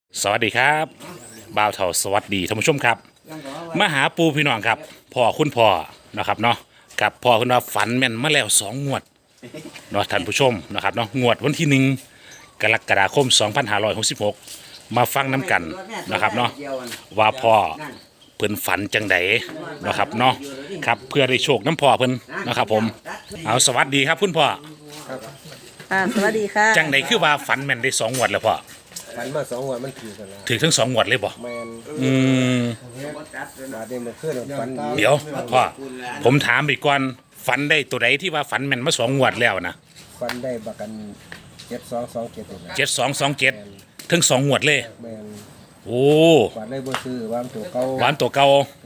สวัสดีครับบ่าวเถาสวัสดีท่านผู้ชมครับมาหาปูพี่น้องครับพ่อคุณพ่อนะครับเนาะกับพ่อคุณว่าฝันแม่นมาแล้ว2 งวดเนาะท่านผู้ชมนะครับเนาะงวดวันที่1 กรกฎาคม 2566มาฟังน้ำกันนะครับเนาะว่าพ่อเพิ่นฝันจังไดนะครับเนาะครับเพื่อได้โชคน้ำพ่อเพิ่นนะครับผมเอาสวัสดีครับคุณพ่อสวัสดีค่ะจังไดคือว่าฝันแม่นได้2 งวดแล้วพ่อฝันมา2 วันมันถือกันแล้วถือทั้ง2 งวดเลยบ่แมนอืมบาดเดมันขึ้นฝันเดี๋ยวพ่อผมถามอีกก่อนฝันได้ตัวใดที่ว่าฝันแม่นมา2 งวดแล้วนะฝันได้บักกัน7227นะ 7227ถึง2 งวดเลยแมนโอ้ฝันได้บ่ซื้อว่ามันตัวเก่าหวานตัวเก่า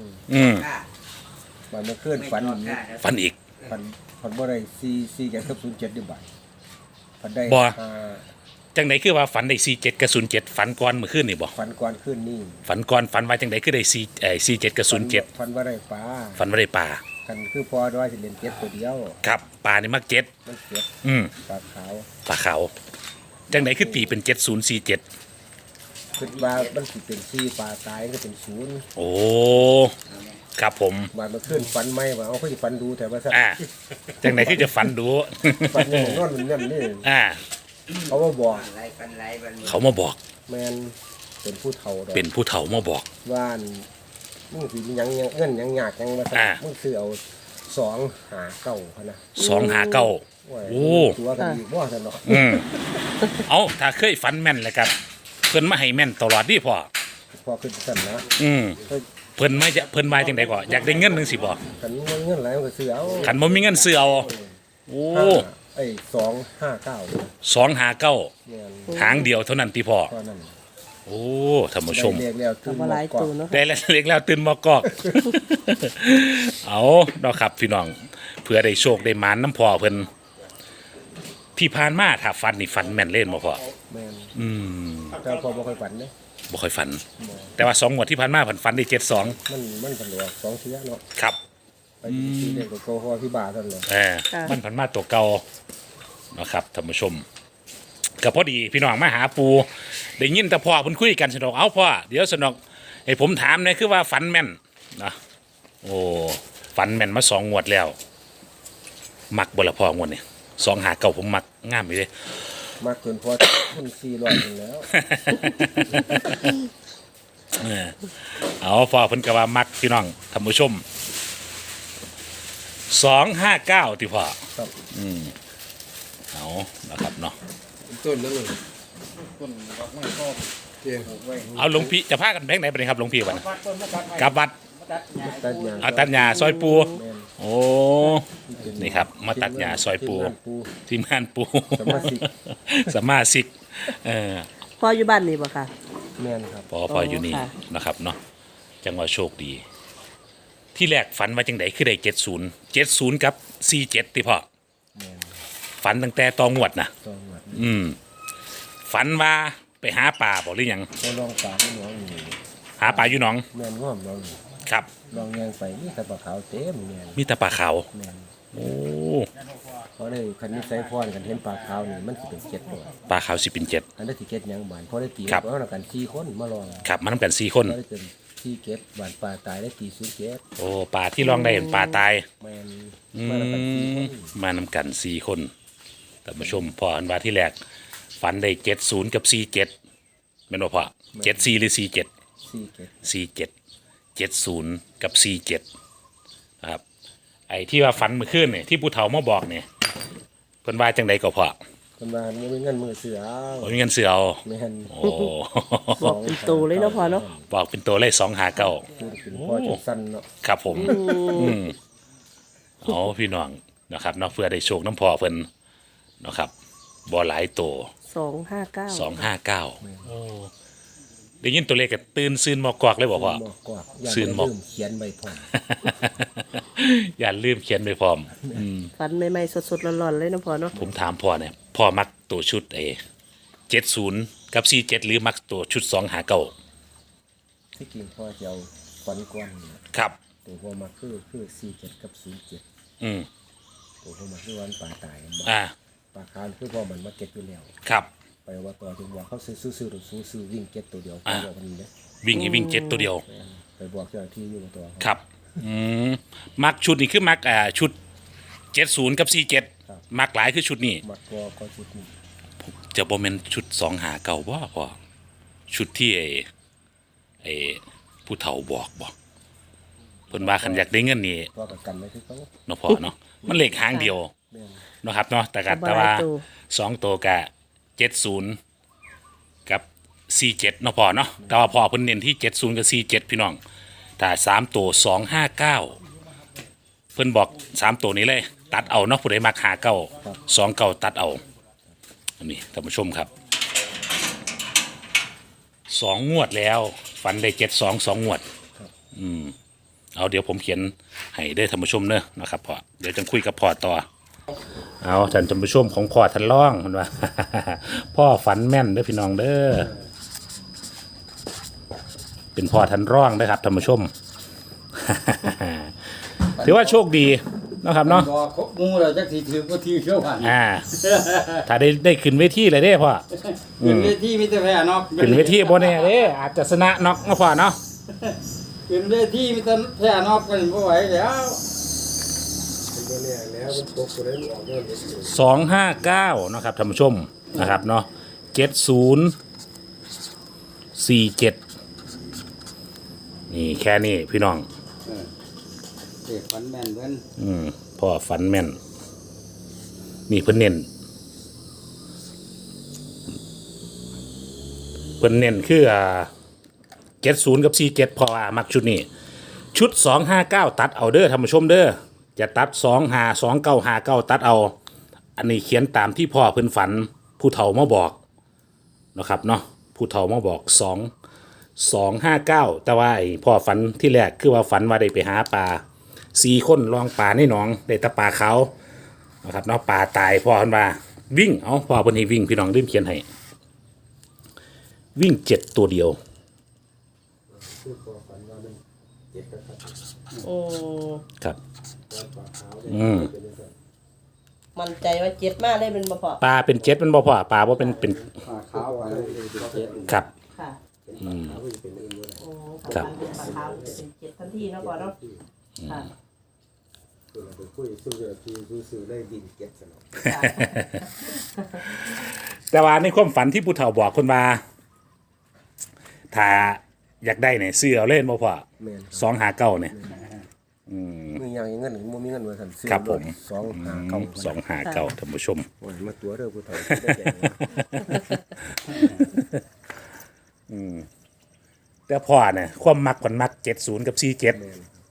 บาดมันขึ้นฝันฝันอีกฝันบ่ได้4กับ07อยู่บาดฝันได้บ่ จังไดคือว่าฝันได้47กับ07ฝันก่อนเมื่อคืนนี่บ่ฝันก่อนขึ้นนี่ฝันก่อนฝันว่าจังไดคือได้47กับ07 ฝันว่าได้ปลาฝันว่าได้ปลาคันคือพอว่าสิเล่นเก็บตัวเดียวครับปลานี่มัก7 มันเก็บอืมปลาขาวปลาขาวจังไดคือตีเป็น7047 คิดว่ามันสิเป็น4ปลาตายก็เป็น0 โอ้ครับผมบาดมันขึ้นฝันใหม่ว่าเอาคือสิฝันดูแต่ว่าซะจังไดคือจะฝันดูฝันอย่างนอนมันนี่ เขามาบอกเขามาบอกแมนเป็นผู้เฒ่าดอกเป็นผู้เฒ่ามาบอกว่าอันมึงสิยังเงินยังหยาดยังมาสั่มึงซื้อเอา259เขานะ 259 โอ้ยโอ้ตัวกันอีกบ่ซั่นเนาะเอาถ้าเคยฝันแม่นเลยครับเพิ่นมาให้แม่นตลอดดิพ่อพอขึ้นสั่นนะเพิ่นมาจังได๋ก็อยากได้เงินจังซี่บ่กันเงินหลายมันก็ซื้อเอาคันบ่มีเงินซื้อเอาโอ้ไอ้259 259 แม่นหางเดียวเท่านั้นติพ่อตอนนั้นโอ้ท่านผู้ชมได้เรียกแล้วทำอะไรตูนเนาะได้แล้วเล็กแล้วตื่นมากอก เอาเนาะครับพี่น้องเพื่อได้โชคได้หมานน้ำพ่อเพิ่นที่ผ่านมาถ้าฝันนี่ฝันแม่นเล่นบ่พ่อแม่นอืมแต่พอบ่ค่อยฝันเด้บ่ค่อยฝัน แต่ว่า2 งวดที่ผ่านมาฝันได้72 มันฝันว่า2เทื่อเนาะครับไปที่เด็กก็โกฮอพี่บาซั่นเลยมันผันมาตัวเก่านะครับท่านผู้ชมก็พอดีพี่น้องมาหาปูได้ยินแต่พ่อเพิ่นคุยกันสนอกเอาพ่อเดี๋ยวสนอกให้ผมถามหนะคือว่าฝันแม่นนะโอ้ฝันแม่นมา2 งวดแล้วมักบ่ละพ่องวดนี่259ผมมักงามอยู่เด้มากเกินพอมัน400นึงแล้วเอาพ่อเพิ่นก็ว่ามักพี่น้องท่านผู้ชม259ติพ่อครับเอานะครับเนาะต้นนั่นเลยต้นดอกไม้ก็เตียงไว้เอาหลวงพี่จะพากันแบงค์ไหนไปเลยครับหลวงพี่วันกลับวัดตัดหญ้าเอาตัดหญ้าซอยปูแม่นโอ้นี่ครับมาตัดหญ้าซอยปูทีมงานปูสมาชิกสมาชิกเออพ่ออยู่บ้านนี่บ่ค่ะแม่นครับพออยู่นี่ค่ะนะครับเนาะจังหวะโชคดี ที่แรกฝันว่าจังไดคือได้70กับ47ติพ่อแม่นฝันตั้งแต่ตองวดนะต้องวัดฝันว่าไปหาป่าบอกหรือยังก็ลองปลาที่น้องนี่หาป่าอยู่หนองแม่นง่อมน้องนี่ครับลองยังไปนี่แต่ปลาขาวเต็มแม่นมีแต่ป่าขาวแม่นโอ้เพราะได้คันนี้ใส่พรกันเห็นปลาขาวนี่มันสิเป็น7ตัวป่าขาวสิเป็น7 อันนั้นสิเก็ดหยังบานเพราะได้ตีครับเอาแล้วกัน4คนมาลองครับมานำกัน4 คนก็ได้เป็นที่เก็บบานปลาตายได้ตี0เก็ดโอ้ป่าที่ลองได้เห็นป่าตายแม่นอืมาแล้วกัน4คนมานำกัน4 คนแต่มาชมพออันว่าที่แรกฝันได้70กับ47แม่นบ่พ่อ74หรือ47 4เก็ด 47 70กับ47นะครับไอ้ที่ว่าฝันเมื่อคืนเนี่ยที่ผู้เฒ่ามาบอกเนี่ยเพิ่นว่าจังใดก็พอคนบ้านบ่มีเงินมือเสือเอาบ่มีเงินซื้อเอาแม่นโอ้บอกเป็นตูเลยเนาะพ่อเนาะบอกเป็นตัวเลข259 คือเป็นพ่อจังสั้นเนาะครับผมเอาพี่น้องนะครับเนาะเพื่อได้โชคน้ำพอเพิ่นนะครับบ่หลายตัว 259 259โอ้ได้ยินตัวเลขก็ตื่นซื่นหมอกกอกเลยบอกว่าบอกกว่าอย่าซื่นไปบอกลืมเขียนใบพร้อมอย่าลืมเขียนไปพร้อมฝันใหม่ๆสดๆร้อนๆเลยเนาะพ่อเนาะผมถามพ่อเนี่ยพ่อมักตัวชุด70กับ47หรือมักตัวชุด259 ที่กินพ่อจะเอาฟันกวนเนี่ยครับตัวพ่อมาคือ47กับ07 อืมตัวพ่อมาคือวันปลาตายอ่าปลาคาวคือพ่อมันมาเก็บอยู่แล้วครับไปว่าต่อจึงบอกเขาซื้อๆหรือซื้อวิ่งเก็ตตัวเดียวไปบอกกันนี้เนี่ยวิ่งให้วิ่งเจ็ดตัวเดียวไปบอกเจ้าหน้าที่อยู่ตัวครับมักชุดนี้คือมักชุด70กับ47มักหลายคือชุดนี้มัดก็ชุดนี้จะบ่แม่นชุด2หาเก่าบ่พอชุดที่ไอ้ผู้เฒ่าบอกบ่เพิ่นว่าคันอยากได้เงินนี่ก็ประกันไว้ที่เขาเนาะพ่อเนาะมันเลขหางเดียวแม่นเนาะครับเนาะแต่บ่หลายว่าตัว 2ตัวก็70กับ47เนาะพ่อเนาะแต่ว่าพ่อเพิ่นเน้นที่70กับ47พี่น้องถ้า3ตัว259เพิ่นบอก3ตัวนี้เลย ตัดเอาเนาะผู้ใดมักหาเก้า2เก้าตัดเอาอันนี้ท่านผู้ชมครับ2งวดแล้วฝันได้72 2งวดเอาเดี๋ยวผมเขียนให้ได้ท่านผู้ชมเนอะนะครับพ่อเดี๋ยวจะคุยกับพ่อต่อเอาท่านผู้ชมของพ่อท่านร่องมันว่า พ่อฝันแม่นเด้อพี่น้องเด้อเป็นพ่อท่านร่องนะครับท่านผู้ชม ถือว่าโชคดีนะครับเนาะบอกครบหมูเราจักทีถือก็ทีเชี่ยวหันถ้าได้ขึ้นเวทีเลยเด้พ่อเป็นเวทีมิตรแพ้นอกขึ้นเวทีบ่แน่เด้อาจจะชนะน็อกมาพ่อเนาะเป็นเวทีมิตรแพ้นอกกันบ่ไหวแล้วเป็นตัวเนี่ยแล้วมันตกตัวนั้นออกเงินเลย 259นะครับท่านผู้ชมนะครับเนาะ7047นี่แค่นี้พี่น้องเด็กฝันแม่นเพิ่นพ่อฝันแม่นนี่เพิ่นเน้นคือ70กับ47พอมักชุดนี้ชุด259ตัดเอาเด้อท่านผู้ชมเด้อจะตัด252959ตัดเอาอันนี้เขียนตามที่พ่อเพิ่นฝันผู้เฒ่ามาบอกนะครับเนาะผู้เฒ่ามาบอก259แต่ว่าไอ้พ่อฝันที่แรกคือว่าฝันว่าได้ไปหาปลา4คนลองปลาในหนองได้แตะปลาเขานะครับเนาะปลาตายพ่อเพิ่นว่าวิ่งเอาพ่อเพิ่นให้วิ่งพี่น้องลืมเขียนให้วิ่ง7ตัวเดียวโอ้ครับมั่นใจว่าเจ็ดมากเลยเป็นบ่พอปลาเป็น7มันบ่พ่อปลาบ่เป็นขาขาวไปเจ็ดครับค่ะโอ้ครับฝันเป็นปลาขาวเป็นเจ็ดทันทีเนาะพ่อเนาะค่ะไปคุยซื้อที่ซื้อได้บินเก็ตสนองแต่ว่าในความฝันที่ผู้เฒ่าบอกคนว่าถ้าอยากได้เนี่ยซื้อเอาเล่นบ่พ่อแม่น 259เนี่ยมีอย่างเงินบ่มีเงินมาสั่นซื้อครับผม 259 259ท่านผู้ชมโอ้ยมาตัวเด้อผู้เฒ่าได้แก่แต่พ่อเนี่ยความมักคนมัก70กับ47 แม่น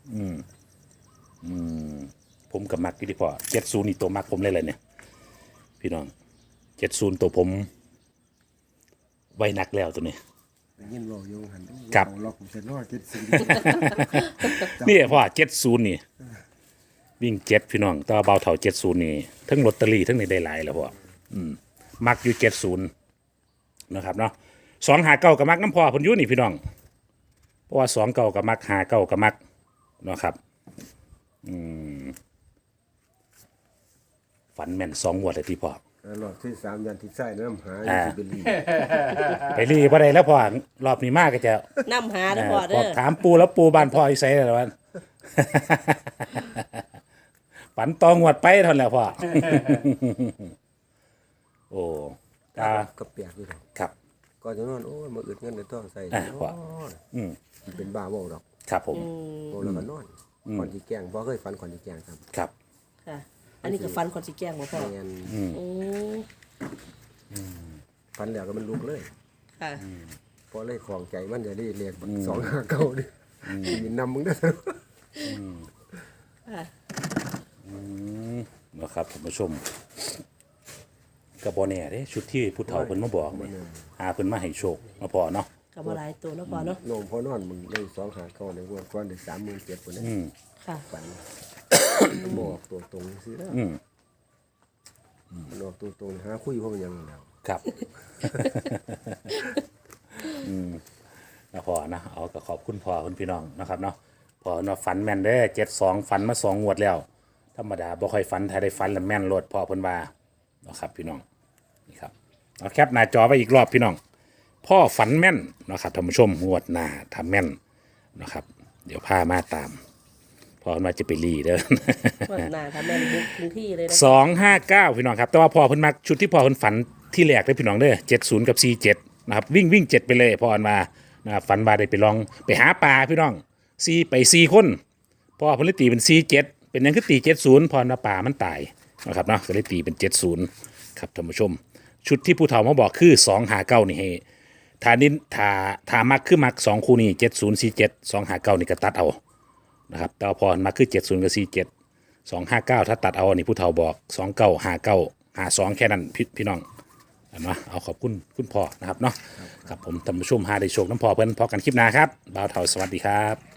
ผมกับมักอยู่ที่พ่อ70นี่ตัวมักผมเลยเนี่ยพี่น้อง70ตัวผมไว้นักแล้วตัวนี้ได้ยินเว้าอยู่หั่นครับล็อกผมเสร็จแล้วเก็ตซื้อนี่พ่อ70นี่วิ่ง7พี่น้องแตัวาเบาเท่า70นี่ทั้งลอตเตอรี่ทั้งในได้หลายแล้วพ่อมักอยู่70นะครับเนาะ259กับมักน้ำพ่อเพิ่นอยู่นี่พี่น้องเพราะว่า29กับมัก59กับมักเนาะครับฝันแม่น2งวดเลยที่พ่อรอบที่3ยันที่ใส่น้ำหาสิเป็นลีไปรีบ่ได้แล้วพ่อรอบนี้มากก็จะน้ำหาเด้อพ่อพเด้ออถามปูแล้วปูบ้านพ่ออีไสแล้ววัน ฝันตองวดไปเท่านั้นแหล้วพ่อ โอ้ตาก็เปียกอยู่ดอกครับก็จะนอนโอ้ยมาอึดเงินในท้องใส่ว่าเป็นบ้าเว้าดอกครับผมเว้าแล้วก็นอนก่อนสิแกล้งบ่เคยฝันก่อนสิแกล้งครับครับค่ะ อันนี้ก็ฟันคนสิแกล้งบ่พ่อแม่นโอ้ฝันแล้วก็มันลุกเลยค่ะพอเลยของใจมันจะได้เรียก259ดิมีนำมึงเด้อนะครับท่านผู้ชมกระบอแน่เด้ชุดที่ผู้เฒ่าเพิ่นมาบอกเนี่ยหาเพิ่นมาให้โชคมาพอเนาะก็บ่หลายตัวเนาะพ่อเนาะน้องพอนอนมึงได้259ในงวดก่อนได้37พุ่นนะค่ะฝันบอกตัวตรงสิแล้วมันออกตัวตรงหาคุยเพราะมันยังแล้วครับ นะพอนะเอาก็ขอบคุณพ่อคุณพี่น้องนะครับเนาะพอเนาะฝันแม่นเด้72ฝันมา2งวดแล้วธรรมดาบ่ค่อยฝันถ้าได้ฝันแล้วแม่นโลดพ่อเพิ่นว่านะครับพี่น้องนี่ครับเอาแคปหน้าจอไว้อีกรอบพี่น้องพ่อฝันแม่นนะครับท่านผู้ชมงวดหน้าทำแม่นนะครับเดี๋ยวพามาตามพอมาจะไปรีเด้อวันหน้าทำแม่นบุกถึงที่เลยนะ 259พี่น้องครับแต่ว่าพอเพิ่นมักชุดที่พอเพิ่นฝันที่แรกเลยพี่น้องเด้อ70กับ47นะครับวิ่ง7ไปเลยพออันมานะครับฝันว่าได้ไปลองไปหาปลาพี่น้อง4ไป4คนพอเพิ่นเลยตีเป็น47เป็นหยังคือตี70พออันว่าปลามันตายนะครับเนาะก็เลยตีเป็น70ครับท่านผู้ชมชุดที่ผู้เฒ่ามาบอกคือ259นี่ให้ถ้านี้ถ้ามักคือมัก2คู่นี้7047 259นี่ก็ตัดเอานะครับแต่ว่าพอมักคือ70กับ47 259ถ้าตัดเอาอันนี้ผู้เฒ่าบอก295952แค่นั้นพี่น้องนะเอาขอบคุณคุณพ่อนะครับเนาะครับผมท่านผู้ชมหาได้โชคน้ำพ่อเพิ่นพอกันคลิปหน้าครับบ่าวเฒ่าสวัสดีครับ